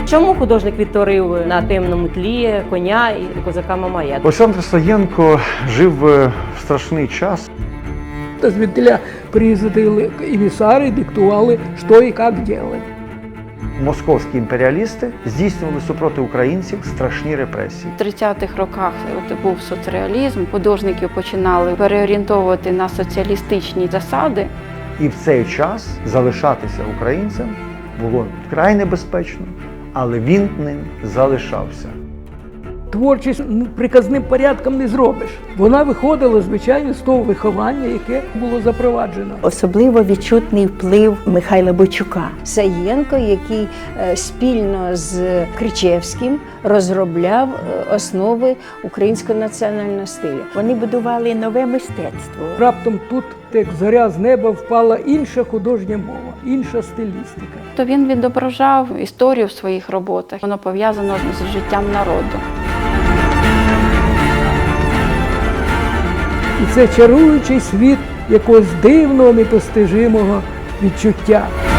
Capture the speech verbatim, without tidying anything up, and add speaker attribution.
Speaker 1: Чому художник відтворив на темному тлі коня і козака Мамая?
Speaker 2: Олександр Саєнко жив в страшний час.
Speaker 3: Звідтіля приїздили емісари, диктували, що і як робити.
Speaker 2: Московські імперіалісти здійснювали супроти українців страшні репресії.
Speaker 4: В тридцятих роках от був соцреалізм, художників починали переорієнтовувати на соціалістичні засади.
Speaker 2: І в цей час залишатися українцем було вкрай небезпечно, але він ним залишався.
Speaker 3: Творчість ну, приказним порядком не зробиш. Вона виходила, звичайно, з того виховання, яке було запроваджено.
Speaker 5: Особливо відчутний вплив Михайла Бойчука. Саєнко, який е, спільно з Кричевським розробляв е, основи українського національного стилю. Вони будували нове мистецтво.
Speaker 3: Раптом тут, як зоря з неба, впала інша художня мова, інша стилістика.
Speaker 4: То він відображав історію в своїх роботах. Воно пов'язано з життям народу.
Speaker 3: І це чаруючий світ якогось дивного, непостижимого відчуття.